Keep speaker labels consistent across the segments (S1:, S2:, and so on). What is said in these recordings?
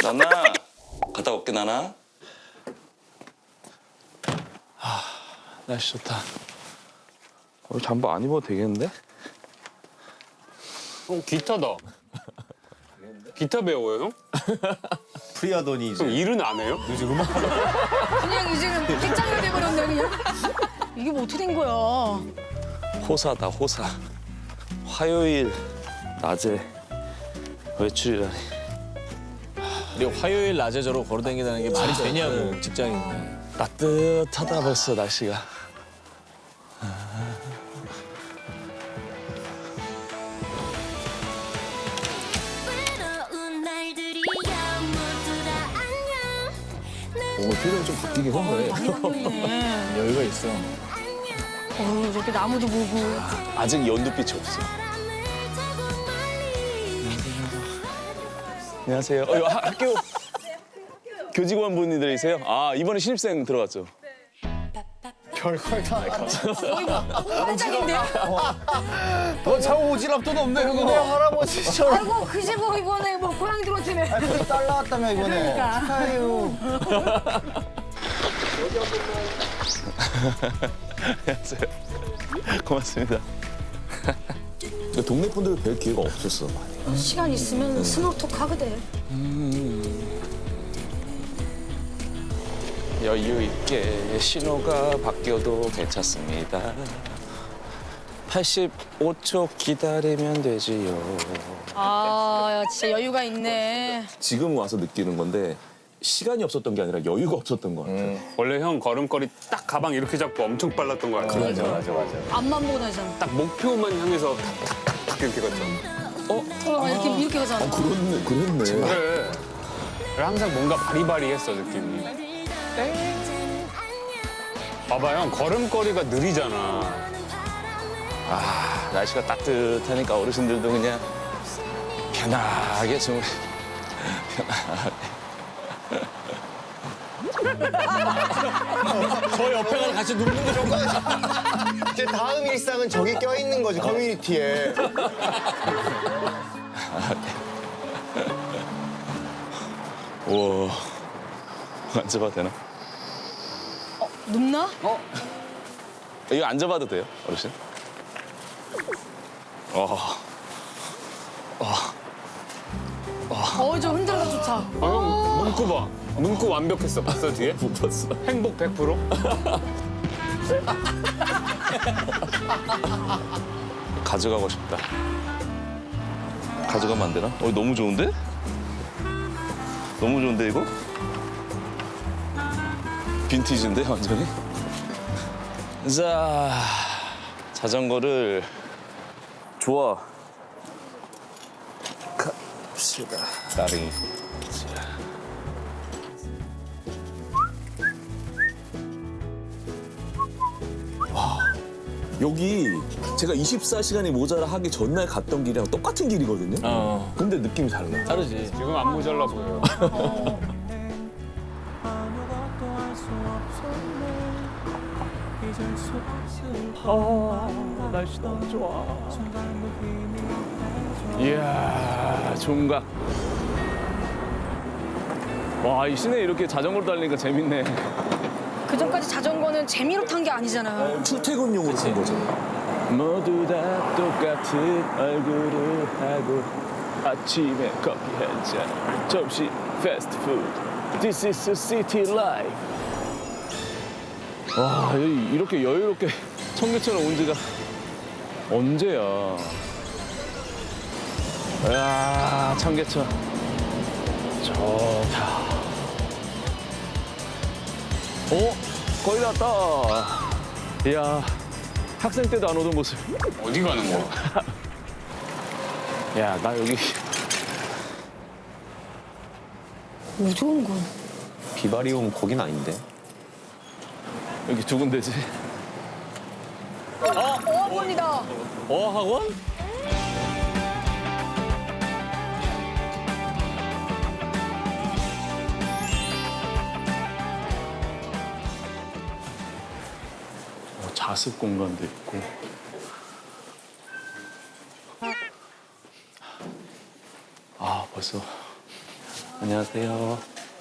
S1: 나나 갔다 올게 나나.
S2: 날씨 좋다. 잠바 안 입어도 되겠는데?
S3: 형 기타다. 기타 배워요, 형?
S4: 프리하더니
S3: 그럼
S4: 이제
S3: 일은 안 해요?
S5: 그냥 이제는 빗장이 돼버렸네 그냥. 이게 뭐 어떻게 된 거야?
S2: 호사다 호사. 화요일 낮에 외출이라니.
S6: 근데 화요일 낮에 저러고 걸어다니다는 게 말이 되냐고 직장인데.
S2: 따뜻하다 벌써 날씨가.
S7: 외로운 날들이야 모두 다 안녕.
S6: 오 표정이 좀 바뀌긴 한 거예요.
S5: 많이 바뀌네.
S6: 여유가 있어.
S5: 이렇게 나무도 보고.
S2: 아직 연두빛이 없어.
S7: 바람을 타고 멀리
S2: 안녕하세요. 이거 학교 교직원 분들이세요? 아 이번에 신입생 들어갔죠?
S4: 별걸 다.
S5: 한장인데?
S4: 너 차고 오지랖도 없네 그거. 내 할아버지처럼.
S5: 아이고 그 집 이번에 뭐 고향 들어왔지네.
S4: 딸 나왔다며 이번에.
S5: 그러니까.
S4: 축하해요.
S2: 안녕하세요. 고맙습니다.
S6: 동네 분들 뵐 기회가 없었어.
S5: 시간 있으면 스몰톡 하거든.
S2: 여유 있게 신호가 바뀌어도 괜찮습니다. 85초 기다리면 되지요.
S5: 아 진짜 여유가 있네.
S6: 지금 와서 느끼는 건데 시간이 없었던 게 아니라 여유가 없었던 것 같아.
S3: 원래 형 걸음걸이 딱 가방 이렇게 잡고 엄청 빨랐던 거 같아.
S4: 맞아 맞아 맞아.
S5: 앞만 보고 다니잖아.
S3: 딱 목표만 향해서 탁탁탁탁 이렇게 갔잖아.
S5: 이렇게 가잖아.
S6: 그랬네.
S3: 그래. 항상 뭔가 바리바리했어 느낌이. 봐봐 형 걸음걸이가 느리잖아.
S2: 아 날씨가 따뜻하니까 어르신들도 그냥 편하게 좀
S6: 저 옆에 가서 같이 눕는 거 좋고.
S4: 이제 다음 일상은 저기 껴 있는 거지 커뮤니티에.
S2: 우와 앉아봐도 되나?
S5: 눕나?
S2: 이거 앉아봐도 돼요 어르신?
S5: 좀 흔들어서 좋다.
S3: 아, 형 문구 봐. 문구 완벽했어. 봤어 뒤에?
S2: 못 봤어.
S3: 행복 100%?
S2: 가져가고 싶다. 가져가면 안 되나? 너무 좋은데? 너무 좋은데 이거? 빈티지인데 완전히? 자, 자전거를 좋아. 갑시다.
S6: 나ring이. 여기 제가 24시간이 모자라 하기 전날 갔던 길이랑 똑같은 길이거든요. 근데 느낌이 달라. 다르지.
S3: 지금 안 모자라 보여요.
S2: 날씨 너무 좋아. 이야, 종각. 와, 이 시내에 이렇게 자전거로 달리니까 재밌네.
S5: 그 전까지 자전거는 재미로 탄 게 아니잖아.
S6: 출퇴근용으로 쓴 거잖아.
S2: 모두 다 똑같은 얼굴을 하고 아침에 커피 한 잔, 점심 패스트푸드. This is a city life. 와, 이렇게 여유롭게 청계천을 온 지가 언제야. 이야, 청계천. 좋다. 거의 다 왔다. 이야, 학생 때도 안 오던 모습.
S3: 어디 가는 거야?
S2: 야, 나 여기
S5: 어디 오는 거야?
S4: 비바리 온 거긴 아닌데.
S2: 여기 두 군데지.
S5: 어학원이다.
S6: 어학원?
S2: 자습 공간도 있고. 아, 벌써
S1: 안녕하세요.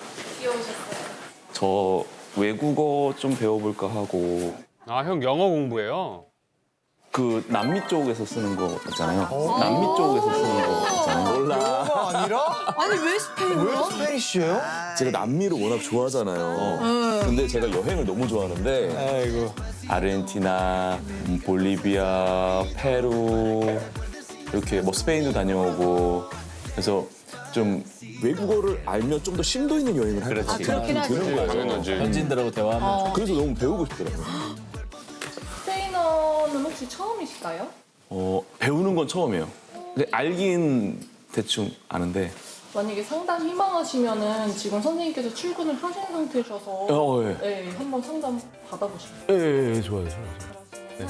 S1: 저 외국어 좀 배워볼까 하고
S3: 아, 형 영어 공부해요?
S1: 그 남미 쪽에서 쓰는 거 있잖아요. 남미 쪽에서 쓰는 거 있잖아요.
S6: 몰라.
S4: 아니라?
S5: 아니 왜 스페인어?
S4: 왜 스페니쉬예요?
S6: 제가 남미를 워낙 좋아하잖아요. 근데 제가 여행을 너무 좋아하는데
S4: 아이고.
S1: 아르헨티나, 볼리비아, 페루 이렇게 뭐 스페인도 다녀오고 그래서 좀
S6: 외국어를 알면 좀 더 심도 있는 여행을 할 것 같은
S5: 그렇긴 하죠.
S6: 느낌이 드는 거예요.
S3: 당연하지.
S2: 현지인들하고 대화하면
S6: 그래서 너무 배우고 싶더라고요.
S8: 스페인어는 혹시 처음이실까요?
S1: 배우는 건 처음이에요. 근데 알긴 대충 아는데
S8: 만약에 상담 희망하시면은 지금 선생님께서 출근을 하신 상태셔서
S1: 예.
S8: 네, 한번 상담 받아보시면
S1: 예, 좋아요. 네.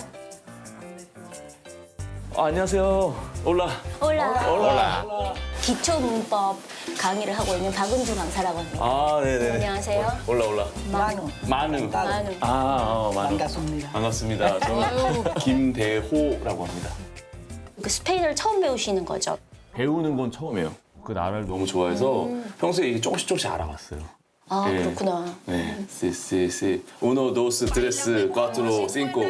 S1: 안녕하세요. 올라.
S9: 올라. 기초 문법 강의를 하고 있는 박은주 강사라고 합니다.
S1: 아, 네네.
S9: 안녕하세요.
S1: 올라.
S9: 만우.
S1: 만우.
S9: 만우.
S1: 만우. 반갑습니다. 저는 김대호라고 합니다.
S9: 그 스페인어를 처음 배우시는 거죠?
S1: 배우는 건 처음이에요. 그 나라를 너무 좋아해서 평소에 이게 조금씩 알아봤어요.
S9: 아
S1: 예.
S9: 그렇구나.
S1: 네. 시. Uno, dos, tres, cuatro, cinco.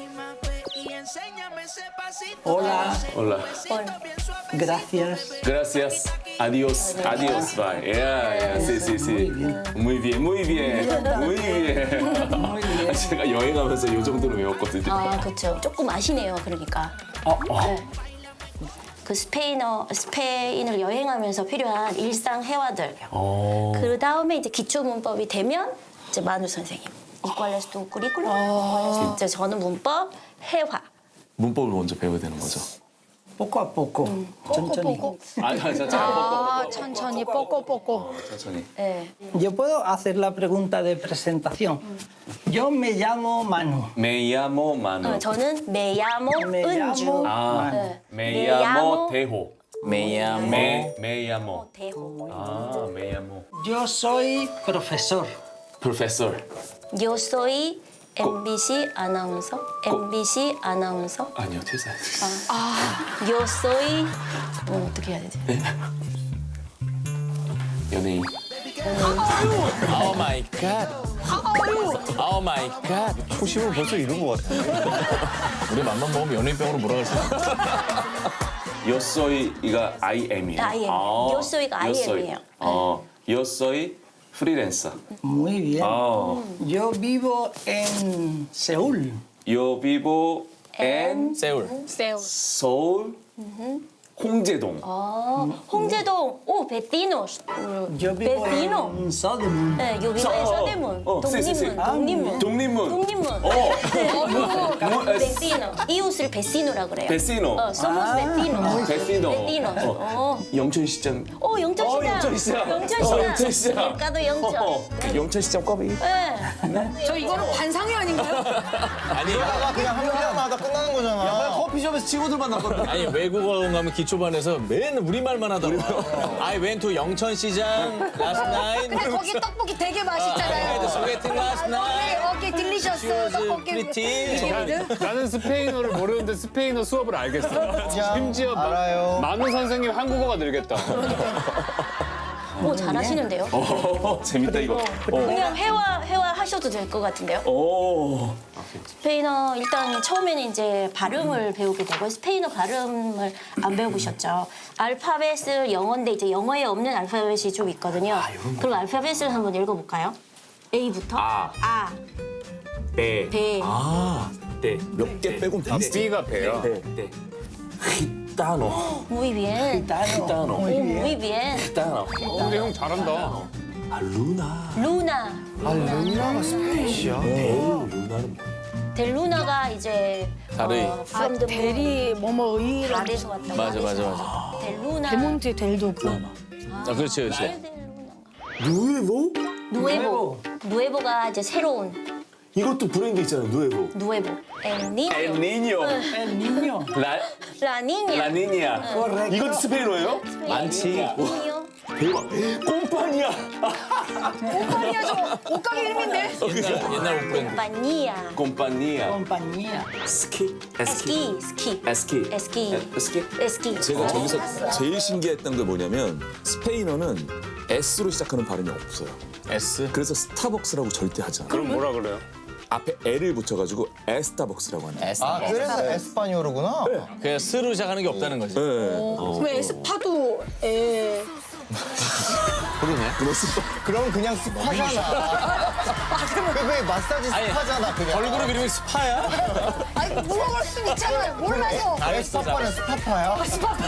S10: Hola,
S1: Hola.
S10: gracias.
S1: Gracias. Adiós. Adiós. Bye. Yeah. Sí. Muy bien. 제가 여행하면서 이 정도로 외웠거든요.
S9: 아 그렇죠. 조금 아시네요. 그러니까. 네. 그 스페인을 여행하면서 필요한 일상 회화들. 그 다음에 이제 기초 문법이 되면 이제 만우 선생님. 이퀄레스 두 꾸리꾸라. 이제 저는 문법, 회화.
S1: 문법을 먼저 배워야 되는 거죠.
S10: Poco a poco. 천천히.
S1: 아니,
S5: 천천히 뽀꼬뽀꼬.
S1: 천천히.
S9: 네.
S10: Yo puedo hacer la pregunta de presentación. Yo me llamo Manu.
S1: Me llamo Manu.
S9: 저는 메야모
S10: Me
S9: 은주.
S10: llamo
S1: 아,
S10: Manu.
S1: me llamo Tejo.
S2: me llamo
S1: Me llamo.
S9: 대호.
S1: 아, me llamo.
S10: Yo soy profesor.
S1: Professor.
S9: Yo soy MBC 아나운서. MBC 아나운서.
S1: 아니요, 퇴사.
S9: Yo soy 어떻게 해야 되지?
S1: 연예인.
S2: Oh my god. Oh my god.
S4: 초심을 벌써 잃은 것 같아.
S2: 우리 맘만 먹으면 연예인병으로 몰아갈 수 있어.
S1: Yo soy가 I am이에요.
S9: I am. Yo soy가 I am이에요.
S1: Yo soy freelancer.
S10: Muy bien.
S1: 아,
S10: Yo vivo en Seúl.
S1: Yo vivo en
S2: 세울.
S1: 서울 홍제동.
S9: 홍제동. 오 베티노스.
S10: Yo vivo
S9: 베티노.
S10: en Sodom.
S9: 네, yo vivo en 서대문. 독립문.
S1: 독립문.
S9: 독립문. 네, 베티노. 이웃을 베시노라 그래요.
S1: 베시노.
S9: somos 베티노.
S1: 베시노. 영천시장.
S9: 영천시장.
S1: 영천시장.
S9: 물가도 영천.
S1: 영천시장 꽈배기.
S9: 네.
S5: 저 이거는 관상회 아닌가요?
S4: 그러다가 그냥 한 명마다 끝나는 거잖아. 커피숍에서 친구들 만났거든.
S2: 아니 외국어 가면 기초반에서 맨 우리말만 하더라고. I went to 영천시장 last night.
S5: 근데 거기 떡볶이 되게 맛있잖아요.
S2: 소개팅 last night.
S5: 오케이 딜리셔스
S2: She was
S5: 떡볶이.
S2: pretty.
S3: 나는 스페인어를 모르는데 스페인어 수업을 알겠어. 심지어
S4: 알아요.
S3: 만우 선생님 한국어가 늘겠다.
S9: 오 잘하시는데요?
S1: 재밌다 이거.
S9: 그냥 회화 하셔도 될 것 같은데요?
S1: 오.
S9: 스페인어 일단 처음에는 이제 발음을 배우게 되고 스페인어 발음을 안 배워보셨죠. 알파벳을 영어인데 이제 영어에 없는 알파벳이 좀 있거든요. 그럼 알파벳을 한번 읽어볼까요? A부터 아,
S1: 배.
S9: 배,
S1: 네.
S6: 몇 개 빼곤 다
S3: B가 배요.
S1: 네. Gitano.
S9: muy bien,
S1: Gitano.
S9: muy bien,
S1: Gitano.
S3: 근데 형 잘한다.
S1: 아, 루나.
S9: 루나.
S4: 루나가 스페니쉬야?
S1: 루나는
S9: 델 루나가 이제
S2: 다르이.
S9: from the
S5: 대리 뭐뭐 의
S9: 달에서 왔다고.
S2: 맞아.
S9: 델 루나.
S5: 데몬트에 델도 없고.
S2: 아 그렇지.
S6: 누에보?
S9: 누에보가 이제 새로운
S6: 이것도 브랜드 있잖아요. 누에보.
S9: 누에보. El niño.
S1: El niño.
S10: El niño.
S9: La niña.
S1: La niña. 이것도 스페인어예요?
S9: 많지.
S6: 대박. 꼼파니아.
S5: 옷가게야 저 옷가게 이름인데.
S2: 옛날 옷 브랜드.
S9: 콤파니아.
S6: 꼼파니아.
S10: compañía.
S6: 스키?
S9: 스키, 스키.
S6: 에스키.
S9: 에스키.
S6: 스키?
S9: 에스키.
S6: 제가 저기서 제일 신기했던 게 뭐냐면 스페인어는 S로 시작하는 발음이 없어요.
S2: S.
S6: 그래서 스타벅스라고 절대 하지 않아요.
S3: 그럼 뭐라 그래요?
S6: 앞에 L을 붙여가지고 에스타벅스라고 하는 거예요.
S2: S.
S4: 아, 그래서 에스파뇰어구나.
S2: 그냥 스로 시작하는 게 없다는 거지.
S6: 네.
S5: 왜 에스파도 에.
S4: 그럼 그냥 스파잖아. 그게 마사지 스파잖아, 그냥.
S2: 걸그룹 이름이 스파야?
S5: 아니 물어볼 수 있잖아요. 몰라서.
S4: 스파파는 스파파야?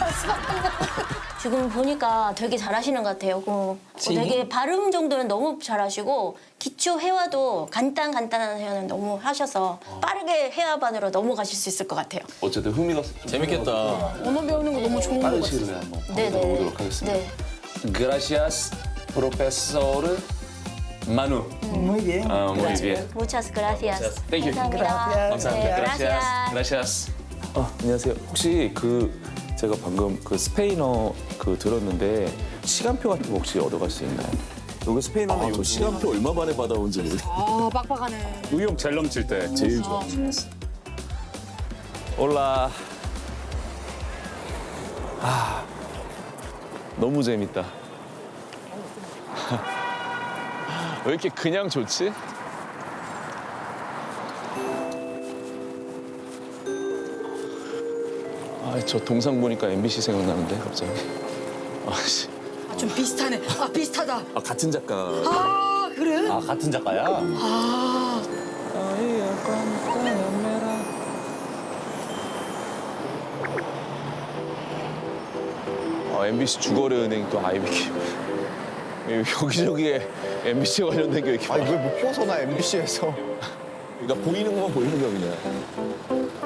S9: 지금 보니까 되게 잘하시는 것 같아요. 되게 발음 정도는 너무 잘하시고 기초 회화도 간단한 회화는 너무 하셔서 빠르게 회화반으로 넘어가실 수 있을 것 같아요.
S1: 어쨌든 흥미가
S2: 재밌겠다.
S5: 언어 배우는 거 너무 좋은 거
S1: 빠른
S5: 같아요.
S1: 시일에 한번
S9: 네네.
S1: 배워보도록 하겠습니다.
S9: 네.
S1: Gracias, profesor Manu.
S10: Muy bien.
S1: Muy bien.
S9: Muchas gracias.
S1: Thank you.
S9: 감사합니다.
S1: 감사합니다.
S9: 네,
S1: Gracias. Gracias. 안녕하세요. 혹시 제가 방금 스페인어 들었는데 시간표 같은 거 혹시 얻어갈 수 있나요?
S6: 여기 스페인어는 저 시간표 얼마 만에 받아온지 모르겠어요.
S5: 아 빡빡하네.
S3: 의욕 제일 넘칠 때.
S6: 제일 좋아.
S1: 올라. 너무 재밌다. 왜 이렇게 그냥 좋지? 저 동상 보니까 MBC 생각나는데 갑자기. 아씨.
S5: 좀 비슷하네. 아 비슷하다.
S6: 같은 작가.
S5: 아 그래?
S2: 아, 같은 작가야?
S1: MBC 주거래 은행 또 IBK. 여기저기에 MBC 관련된 게 이렇게
S4: 아니, 그걸 못 벗어나, MBC에서.
S6: 그러니까 보이는 것만 보이는 거 그냥.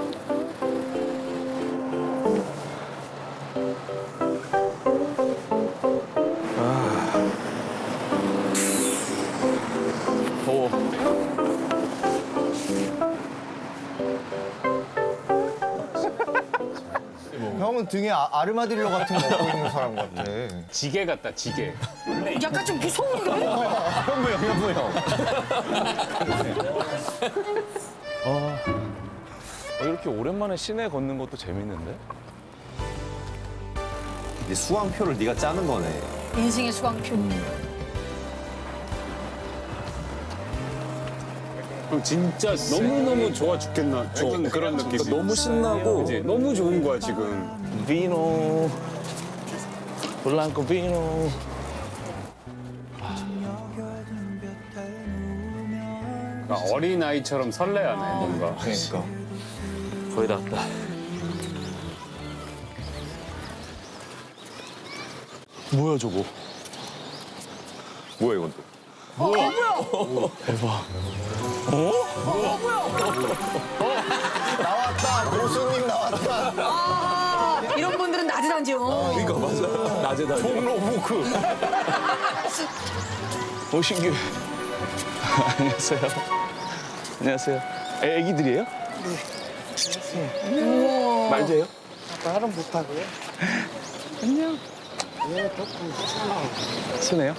S1: 더워.
S4: 형은 등에 아르마딜로 같은 거 업고 있는 사람 같아.
S3: 지게 같다, 지게.
S5: 약간 좀 무서운데?
S4: 현무형.
S1: 이렇게 오랜만에 시내 걷는 것도 재밌는데?
S4: 이제 수강표를 네가 짜는 거네.
S5: 인생의 수강표.
S3: 진짜 너무너무 좋아 죽겠나. 좋은 그런 느낌.
S6: 너무 신나고
S3: 이제 너무 좋은 거야, 지금.
S1: 비노. 블랑코 비노.
S3: 어린아이처럼 설레하네, 뭔가.
S4: 그러니까.
S1: 거의 다 왔다. 뭐야 저거?
S3: 뭐야, 이건 또.
S4: 나왔다, 고수님 나왔다.
S5: 아 이런 분들은 낮에 다니죠.
S6: 그러니까 맞아. 낮에 다.
S3: 종로부크.
S1: 신기해. 안녕하세요. 안녕하세요. 애기들이에요? 네. 말돼요?
S10: 말은 못하고요.
S1: 안녕.
S10: 예, 조금
S1: 순해요?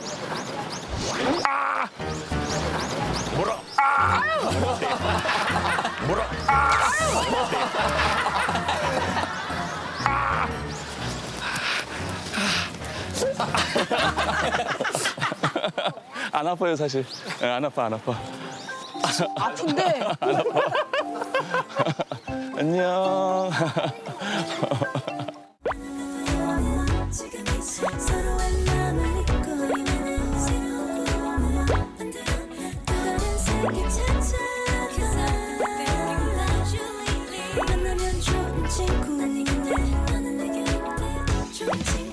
S1: 안 아파요 사실. 네, 안 아파.
S5: 아픈데.
S1: 안녕.
S7: 서로의 마음을 잊고 있는 새로운 꿈을 만들어 또 다른 세계 찾아가 만나면 좋은 친구 너는 내게 좋은 친구